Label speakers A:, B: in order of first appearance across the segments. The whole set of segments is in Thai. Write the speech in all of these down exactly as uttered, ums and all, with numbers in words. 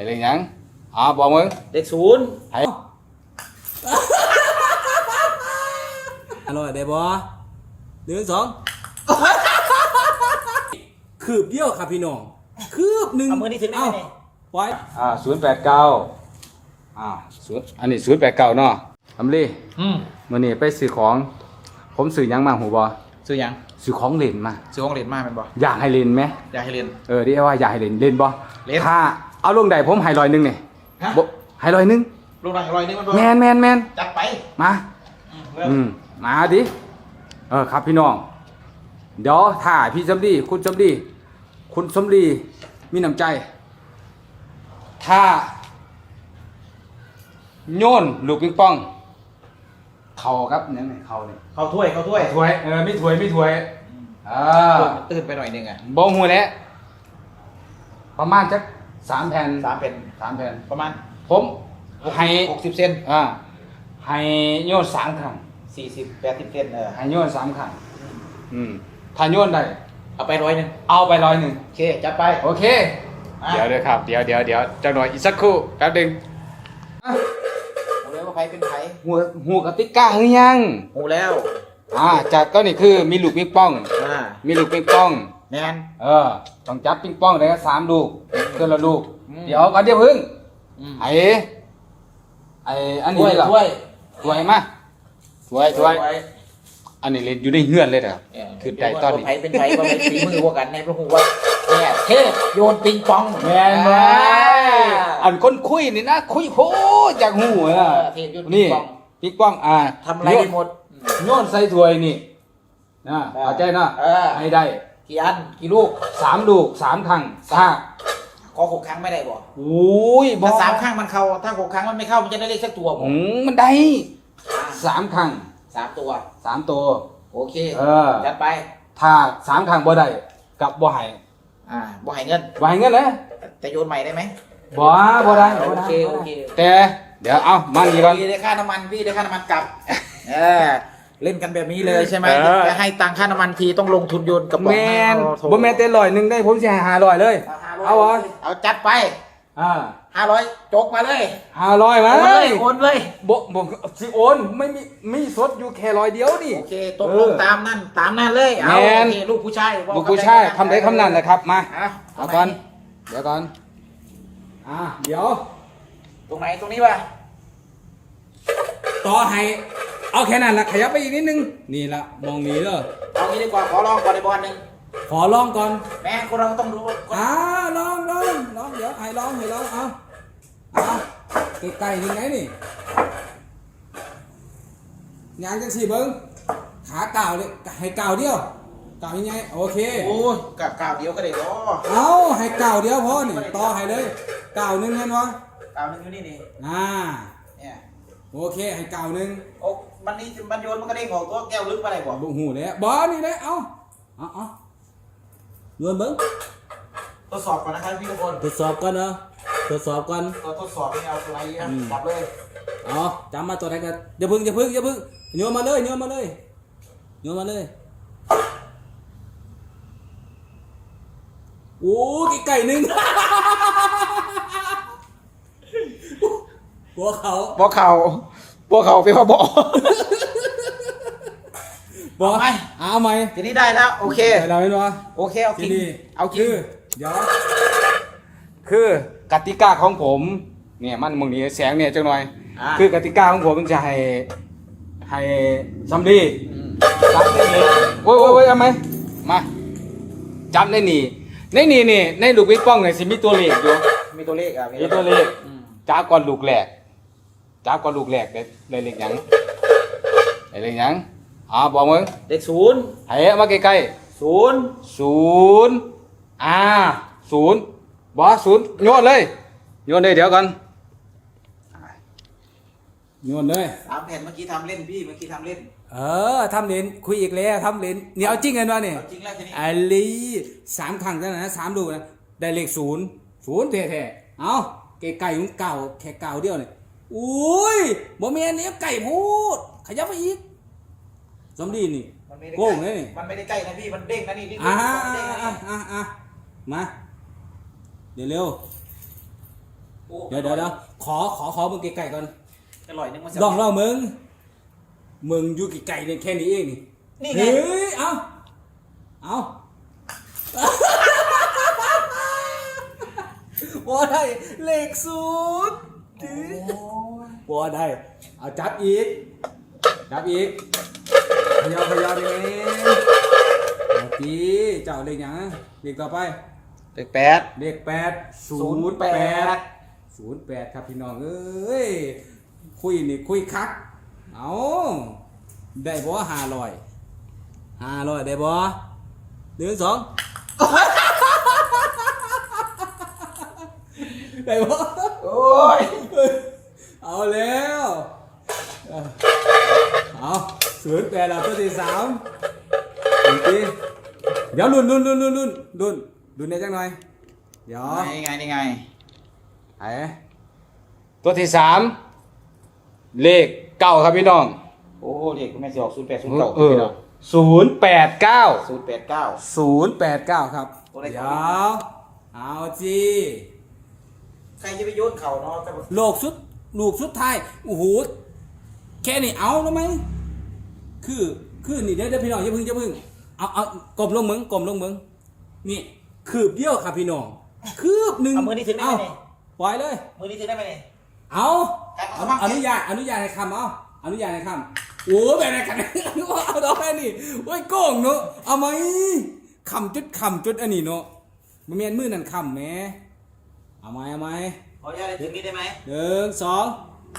A: เลขยังอ่าบอกมึง
B: เลขศูนย์
A: ให้
C: อร่อยได้บ่หนึ่งสองคืบเดียวครับพี่น้องคืบหนึ่ง
B: เอามือนี่ถึงได้ไหม
C: ไว้
A: อ่าศูนย์แปดเก้าอ่าศูนย์อันนี้ศูนย์แปดเก้าเนาะทำลี
B: อืม
A: มื่อนี้ไปซื้อของผมซื้อยังมาหูบอ
B: ซื้อยัง
A: ซื้อของเล่นมา
B: ซื้อของเล่นมาเป็นบ่
A: อยากให้เล่นไหม
B: อยากให้เล่น
A: เออที่ว่าอยากให้เล่นเล่นบ่
B: เล่น
A: ถ้าเอาลงใดผมให้ร้อยหนึ่งเนี่ยให้ร้อยหนึ่ง
B: ลงหนังร้อยนึงมันบ่
A: แมนแมนแมน
B: จัดไป
A: มาอืมมาดิเออครับพี่น้องเดี๋ยวถ่ายพี่สมดีคุณสมดีคุณสมดีมีน้ำใจถ้าโยนลูกปิงปองเข่าครับเนี่ยเข่าเนี่ย
B: เข้าถ้วยเข้าถ้วย
A: ถ้วยเออไม่ถ้วยไม่ถ้วยอ่า
B: ตื่นไปหน่อยนึงอ่ะ
A: บ่หูแล้วประมาณจักสามแผ่น
B: สามแผ่น
A: สามแผ่น
B: ประมาณ
A: ผมให้
B: หกสิบเซน
A: อ่าให้โยนสามครั้ง
B: สี่สิบแปดสิบเซนเออ
A: ให้โยนสามครั้งอืมถ้าโยนได้
B: เอาไปร้อยหนึ่ง
A: เอาไปร้อยหนึ่ง
B: โอเคจัดไป
A: โอเคเดี๋ยวเดี๋ยวครับเดี๋ยวเดี๋ยวเดี๋ยวจังหน่อยอีกสักครู่แป๊บนึง
B: หูแล้วว่าไผเป็นไผ
A: หัวหัวกติกาหรือยัง
B: หูแล้ว
A: อ่าจากก็นี่คือมีลูกปิงปอง
B: อ่า
A: มีลูกปิงปอง
B: แมน
A: เออต้องจับปิงปองได้สามลูกเพื่อนละลูกเดี๋ยวก่อนเดี๋ยวพึ่งไอ้ไอ้อันนี้เหรอ
B: ถ้วย
A: ถ้วยมาถ้วยถ้วยอันนี้เล่นอยู่ในเฮือนเลยนะครับคือได้ตอนนี้
B: ไผเป็นไผว่าเป็นฝีมือว่ากันในพระหูว่าเนี่ยเทพโยนปิงปอง
A: แมนไหมอันคนคุยนี่นะคุยโหจากหูอ่ะนี่ปิงปองอ่า
B: ทำอะไรหมด
A: โยนใส่ถ้วยนี่นะเข้าใจนะให้ได้
B: กี่อันกี่ลูก
A: สามลูกสามครั้งถ้า
B: ขอหกครั้งไม่ได้บ่
A: โอ้ย
B: ถ้าสามครั้งมันเข้าถ้าหกครั้งมันไม่เข้ามันจะได้เลขสักตัวบ่
A: มันได้สามครั้ง
B: สามตัว
A: สามตัว
B: โอเค
A: เออ
B: จัดไป
A: ถ้าสามครั้งบ่ได้กับบ่ให้
B: อ่าบ่ให้เงิน
A: บ่ให้เงินนะ
B: แต่โยนใหม่ได้ไหม
A: บ่บ่ได้
B: โอเคโอเค
A: แต่เดี๋ยวเอามันดีก่อน
B: พี่ได้ค่าน้ำมันพี่ได้ค่าน้ำมันกลับเออเล่นกันแบบนี้เลยใช่ไหมจะให้ตังค่าน้ำมันทีต้องลงทุนโยนกระป๋อง
A: แมนบ่แม่นแต่ร้อยหนึ่งได้ผมสิให้ห้าร้อยเลยเอาวะ
B: เอาจัดไป
A: อ่า
B: ห้าร้อยจกมาเลย
A: ห้าร้อยมา
B: เลยโอนเลย
A: บ่บ่สิโอนไม่มีมีสดอยู่แค่ร้อยเดียวนี่
B: โอเคตกลงตามนั่นตามนั่นเลยเอาโอเคลูกผู้ชาย
A: ลูกผู้ชายคำใดคำนั้นแหละครับมาเอาก่อนเดี๋ยวก่อนอ่าเดี๋ยว
B: ตรงไหนตรงนี้วะ
A: ต่อให้เอาแค่นั้นละขยับไปอีกนิดนึงนี่ละมองนี้เลย
B: เอางี้ดีกว่าขอลองก่อนในบอลหนึ่ง
A: ขอลองก่อน
B: แม่คนเราต้องรู้
A: อ่าลองลองลองเดี๋ยวให้ลองให้ลองเอาเอาไกลๆยังไงนี่งานจังสี่เบิ้งขาเก่าเลยให้เก่าเดียวเก่ายังไงโอเค
B: โอ้ยกับเก่าเดียวก็ได้หรอ
A: เอาให้เก่าเดียวพอนี่ต่อให้เลยเก่าหนึ่งเห็นวะ
B: เก่าหนึ่งอยู่นี่นี่
A: อ่าเนี่ยโอเคให้เก่าหนึ่ง
B: โอ้มันนี่มันโยนมันก็ได้งอกตัวแก้วลึกมาอะไรบ่
A: บุหูเลยบอนี่เลยเอาเอาเอาโยนเบิ้ง
B: ทดสอบก่อนนะครับพี่ทุกคน
A: ทดสอบก่อนเนาะทดสอบก่อน
B: ตัวทดสอบนี่เอาตัวไหนจับเลย
A: อ๋อจำมาตัวไหนกันอย่าพึ่งอย่าพึ่งอย่าพึ่งโยนมาเลยโยนมาเลยโยนมาเลยโอ้กี่ไก่หนึ่งบัวเขา
B: บัวเขาบัวเขาเป็นพ่อบอก
A: บอกไหมเอาไหม
B: ทีนี้ได้แล้วโอเค
A: เราไม่รู้
B: โอเคเอากินเอากิน
A: เดี๋ยวคือกติกาของผมเนี่ยมันมึงนี่แสงเนี่ยจังหน่อยคือกติกาของผมมันจะให้ให้ซัมดีจับได้นี่โอ้ยโอ้ยเอาไหมมาจับได้นี่ในนี่นี่ในลูกปิงปองเนี่ยสิมีตัวเลขอยู่
B: มีตัวเลขอ่ะ
A: มีตัวเลขจับก่อนลูกแหลกจับก่อนลูกแหลกได้ได้เลขยังได้เลขยังอ่าบอกมึง
B: เลขศูนย์
A: ให้มาใกล้
B: ๆศูนย์
A: ศูนย์อ่าศูนย์บอสศูนย์โยนเลยโยนเลยเดี๋ยวก่อนโยนเลย
B: สามแผ่นเมื่อกี้ทำเล่นพี่เมื่อกี้ทำเล่น
A: เออทำเล่นคุยอีกแล้วทำเล่นเนี่ยเอาจริงกันวะเนี่ย
B: จริงแล้วทีนี้
A: ไอ้ลีสามครั้งแล้วนะสามลูกนะได้เลขศูนย์ศูนย์แท้ๆเอาไก่ไก่ของเก่าแค่เก่าเดียวเนี่ยอุ้ยบ่แม่นเนี่ยไก่พูดขยับไปอีกสมดีนี่โก้งเลยนี่
B: มันไม่ได้ใกล้นะพี่มันเด้งนะนี่
A: อ่าอ่าอ่ามาเดี๋ยวเร็ว
C: เดี๋ยวเดี๋ยวเดี๋ยวขอขอขอมึงไกลๆก่อน
B: อร่อยนึงมัน
C: ลองลองมึงมึงอยู่ไกลๆเนี่ยแค่นี้เองนี่
B: นี่ไง
C: เฮ้ยเอาเอาบ่ได้เลขศูนย์บ่ได้เอาจับอีกจับอีกพยาพยาได้ไหมเอาทีเจ้าเลขหยังเลขต่อไป
B: เลขแปด
C: เลขแปดศูนย์แปดศูนย์แปดครับพี่น้องเอ้ยคุยนี่คุยคักเอาได้บ่ห้าร้อยห้าร้อยได้บ่หนึ่งสองได้บ่
B: โอ้ย
C: เอาแล้วเอาศูนย์แปดเราตัวที่สามอีกทีเดี๋ยวลุ้นลุ้นลุ้นลุ้นลุ้นลุ้นลุ้นได้จังหน่อยเดี๋ยว
B: นี่ไงนี่ไง
C: ไอ้
A: ตัวที่สามเลขเก้าครับพี่น้อง
B: โอ้เด็กคุณแม่สิออกศูนย์แปดศูนย์เก้า
A: เออศูนย์แปดเก้า
B: ศูนย์แปดเก้า
C: ศูนย์แปดเก้าครับ
B: ตัวไหน
C: เดี๋
B: ค
C: ย
B: รับ
C: วเอาจี
B: ใครจะไปโยนเข่าเนาะแต่
C: โลกสุดลูกสุดท้ายโอ้โหแค่นี้เอาแล้วไหมคือคือนี่เดี๋ยวเดี๋ยวพี่น้องอย่าเพึ่งอย่าเพึ่งเอาเอากลมลงมึงกลมลงมึงนี่คืบเดียวครับพี่น้องคืบหนึ่ง
B: เอามือนี้ถึงได้ไหม
C: เอา
B: เนี่ย
C: ปล่อยเลย
B: มือนี้ถึงได้ไหมเนี่ย
C: เอา
B: ครับ
C: เอา
B: เอา
C: อนุญาตอนุญาตให้คำเอาอนุญาตให้คำโอ้แบบไหนกันเอาดอกแค่นี้โอ้ยโกงเนาะเอาไหมคำจุดคำจุดอันนี้เนาะมันเมียนมือนั่นคำแหมเอาไหมเอาไหม
B: ขออนุญาตถึงนี้ได้ไหม
C: หนึ่งสอง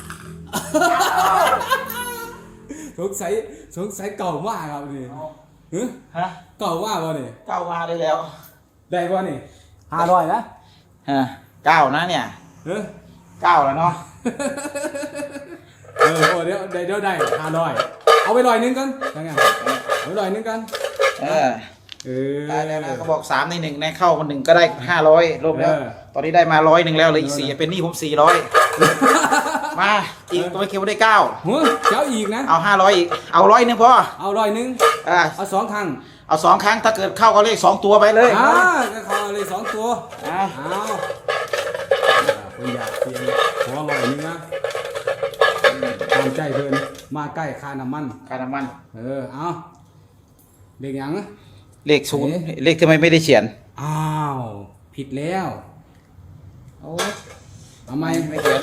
C: สงสัยสงสัยเก่ามากครับนี่ฮะ
B: ฮะ
C: เก่ามากวะนี่
B: เก้ามาได้แล้ว
C: ได้ป่ะนี่ห้าร้อยนะ
B: ฮะเก้านะเนี่ย
C: เฮ้ย
B: เก้าแล้วเนาะ
C: เออโอ้เดี๋ยวเดี๋ยวเดี๋ยวได้ห้าร้อยเอาไปร้อยหนึงกันยังไงเอาไปร้อยหนึงกัน
B: เออ
C: เออ
B: ได้แล้วนะเขาบอกสามในหนึ่งในเข้ามาหนึ่งก็ได้ห้าร้อยรวมแล้ว
C: เออ
B: ตอนนี้ได้มาร้อยหนึ่งแล้วเหลยอีกสี่เป็นหนี้ผมสี่ร้อยมาอีกตัวไม่เคียวได้เก้า
C: หัวเจ้าอีกนะ
B: เอาห้าร้อยอีกเอาร้อยหนึ่งพอ
C: เอาร้อยหนึง
B: อ่า
C: เอาสองครั้ง
B: เอาสองครั้งถ้าเกิดเข้าก็เลขสองตัวไปเลย
C: อ่าก็ขอเลยสองตัว
B: อ่า
C: เอาคนอยากเปลี่ยนขอร้อยหนึงนะตามใจเพิ่นมาใกล้ค่าน้ำมัน
B: ค่าน้ำมัน
C: เออ เอาเด็กหยัง
B: เลขศูนย์เลขทำไมไม่ได้เขียน
C: อ้าว ผิดแล้ว
B: โอ้
C: เอาไหม
B: ไม่เขียน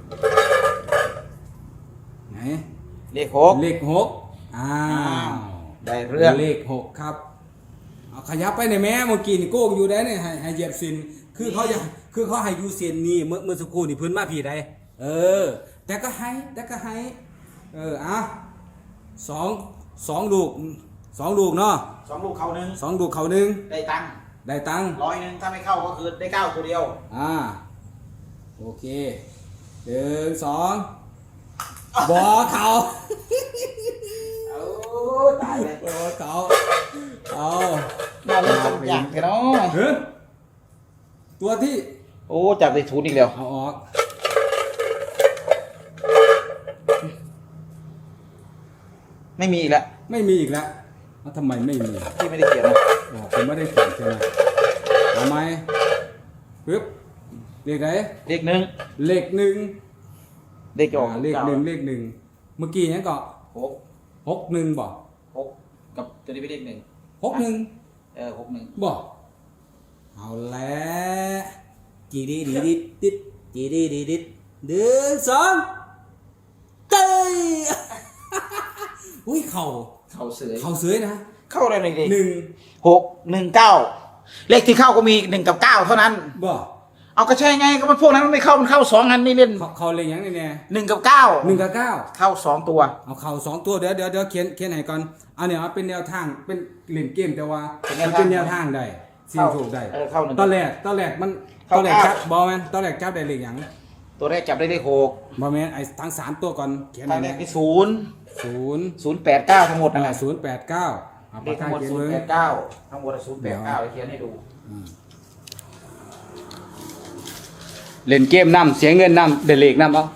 C: ไหน
B: เลขหก
C: เลขหกอ้าว
B: ได้เรื่อง
C: เลขหกครับ เอาขยับไปในอยแม่เมื่อกี้นี่โก้งอยู่ได้เนี่ยให้ให้เหยียบสินคือเขาอยากคือเขาให้อยู่เส้นนี้เมื่อเมื่อสักครู่นี่เพื้นมาผีได้เออ แต่ก็ให้แต่ก็ให้เอออ่ะสองสองลูกสองลูกเนาะ
B: สองลูกเขาหนึ่ง
C: สองลูกเขาหนึ่ง
B: ได้ตังค์
C: ได้ตังค์
B: ร้อยหนึ่งถ้าไม่เข้าก็คือได้เก้าตัวเดียว
C: อ่าโอเคหนึ่งสองบอเขา
B: โอ้ตายเลย
C: บอเขาเอา
B: น่าเล่นจังอย่างเถอะเนาะ
C: เฮ้ยตัวที่
B: โอ้จับได้ทุนอีกแล้ว
C: เอาออก
B: ไม่มีอีกแล้ว
C: ไม่มีอีกแล้วแล้วทำไมไม่มี
B: ที่ไม่ได้เขียนนะ
C: อ๋อผมไม่ได้เขียนใช่ไหมเอาไหมปึ๊บเลขไหน
B: เลขหนึ่ง
C: เลขหนึ่ง
B: เลขจะออก
C: อ่าเลขหนึ่งเลขหนึ่งเมื่อกี้เนี้ยก็
B: หก
C: หกหนึ่งบอก
B: หกกับตัวนี้เป็นเลขหนึ่ง
C: หกหนึ่ง
B: เออหกหนึ่ง
C: บอกเอาแล้วจีดีดีดิดดิดจีดีดีดิดหนึ่งสองเต้ย อุ้ยเข่า
B: เข้าเสือ
C: เข่าเสือยนะ
B: เข้าอะไรหนึ่ง
C: หนึ่ง
B: หกหนึ่งเก้าเลขที่เข้าก็มีหนึ่งกับเก้าเท่านั้น
C: บอก
B: เอาก็ใช่ไงก็มันพวกนั้นมันไม่เข้ามันเข้าสองอันนี่เล่น
C: เขาเขาเลยยังไงเนี่ย
B: หนึ่งกับเก้า
C: หนึ่งกับเก้า
B: เข้าสองตัว
C: เอาเข่าสองตัวเดี๋ยวเดี๋ยวเดี๋ยวเขียนเขียนให้ก่อนเอาเนี่ยเอาเป็นแนวทางเป็นเล่นเกมแต่ว่ามันเป็นแนวทางได้สิ่งถูกได้
B: เออเข้าหนึ่ง
C: ตอนแรกตอนแรกมันต
B: เข้า
C: อนแรก
B: เก้า
C: จับบอแมนตอนแรกจับได้เลขหยัง
B: ตัวแรกจับได้เลขหก
C: บอแมนไอ้ทั้งสามตัวก่อนเขียน
B: ทา
C: ให้
B: งแร
C: เนี่
B: ก
C: ย
B: ที่ศูนย์
C: ศูนย์
B: ศูนย์แปดเก้าทั้งหมด
C: นั่
B: นั่
C: น
B: น
C: แห
B: แห
C: ละ
B: ละ
C: ศูนย์แปดเก้าเอา
B: เล
C: ปาก
B: ขทั้
C: กาง
B: หมด
C: เขียน
B: ศูน
C: มื
B: ย์
C: อ
B: แปดเก้าทั้งหมดศูนย์แปดเก้าเขียนให้ดู
A: เล่นเกมนำเสียเงินนำเดเลขนำเอา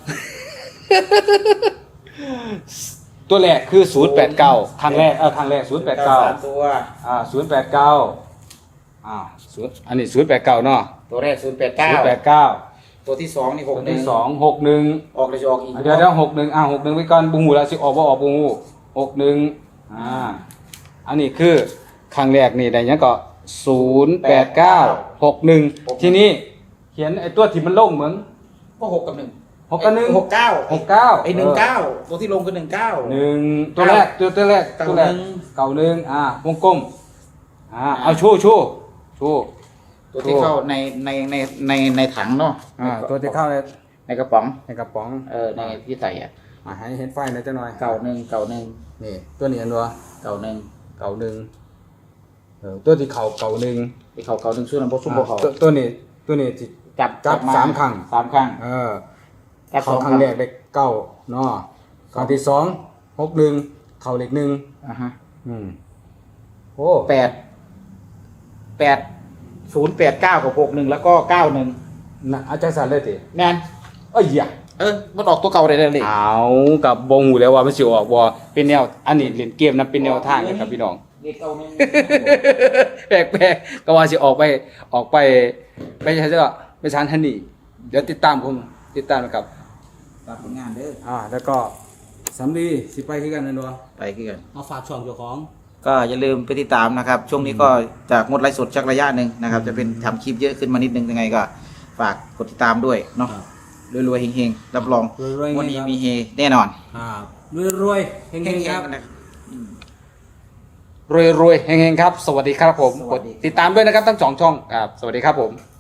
A: ตัวแรกคือศูนย์แปดเก้าครั้งแรกเออครั้งแรกศูนย์แปดเก้า
B: สามตัว
A: อ่าศูนย์แปดเก้าอ่าศูนย์อันนี้ศูนย์แปดเก้าเนาะ
B: ตัวแรกศูนย์แปด
A: ศู
B: เก้าน
A: ย์แปดเก้า
B: ตัวที่สองนี่หก
A: ตัว
B: หนึ่ง
A: ที่สองหกหนึ่ง
B: ออกเลยจะออกอีก
A: เดี๋ยวเดี๋ยวหกหนึ่งอ่าหกหนึ่งไว้ก่อนบูหูแล้วสิออกว่าออกบูหูหกหนึ่งอ่าอันนี้คือครั้งแรกนี่ได้ยังก็ศูนย์แปดเก้าหกหนึ่งทีนี้เขียนไอ้ตัวที่มันลงเหมือน
B: ก็หกกับหนึ่ง
A: หกกับหนึ่ง
B: หกเก้า
A: หกเก้า
B: ไอ้หนึ่งเก้าตัวที่ลงคือหนึ่งเก้า
A: หนึ่งตัวแรกตัวตัวแรก
B: เก้า
A: ตัวแรก
B: หนึ่ง
A: เก่าหนึ่งอ่าวงกลมอ่าเอาชู่ชู่ชู่
B: ตัวที่เข้าในในในในในถังเนาะ
A: อ่าตัวที่เข้าใน
B: ในกระป๋อง
A: ในกระป๋อง
B: เออในที่ใส่อ่ะ
A: อ่าให้เห็นไฟหน่อยจังหน่อย
B: เก่าหนึ่งเก่าหนึ่ง
A: นี่ตัวนี้อันตัว
B: เก่าหนึ่ง
A: เก่าหนึ่งเออตัวที่เข่าเก่าหนึ่ง
B: ที่เขาเก่าหนึ่งช่วยลำโพงซุ่มโบเขา
A: ตัวตัวนี้ตัวนี้ที่
B: จับ
A: จับ
B: ม
A: สามครั้ง
B: สามครั้ง
A: เออ
B: จับส
A: เข่า
B: อง
A: ครั้งแรกเล็กเก้าเนาะครั้งที่สองหกหนึ่งเข่าเล็กหนึ่ง
B: อ่าฮะ
A: อืมโอ้
B: แปดแปดศูนย์แปดเก้ากับหกหนึ่งแล้วก็เก้าหนึ่ง
A: นะอาจารย์สันเลยติ
B: แมน
A: เอ้ยอย่า
B: เออมันออกตัวเก่าเลยเลย
A: เอากับบงหูแล้วว่ามันสิออกบ่เป็นแนวอันนี้เล่นเกมนะเป็นแนวทางนะครับพี่น้อง
B: เด็กเก่าหนึ่ง
A: แปลกๆก็ว่าสิออกไปออกไปไปใช่ไหมไปชานทันนี่เดี๋ยวติดตามผมติดตามนะครับ
B: ตามผลงานเด้อ
A: อ่าแล้วก็สำลีสิไปคือกันนั่นวะ
B: ไปคือกัน
C: มาฝากช่องเจ้าของ
B: ก็อย่าลืมไปติดตามนะครับ ช่วงนี้ก็จะงดไลฟ์สดชักระยะหนึ่งนะครับ จะเป็นทำคลิปเยอะขึ้นมานิดนึงยังไงก็ฝากกดติดตามด้วยเนาะรวยๆเฮงๆรับรอง
C: รวยๆ
B: วันนี้
C: ครับ
B: มีเฮแน่นอน
C: อ่ารวยๆเฮงๆครับ
B: นะ
A: รวยๆเฮงๆครับ สวัสดีครับผม
B: ส
A: ก
B: วั
A: ด
B: สดี
A: ติดตามด้วยนะครับทั้งสองช่องครับสวัสดีครับผม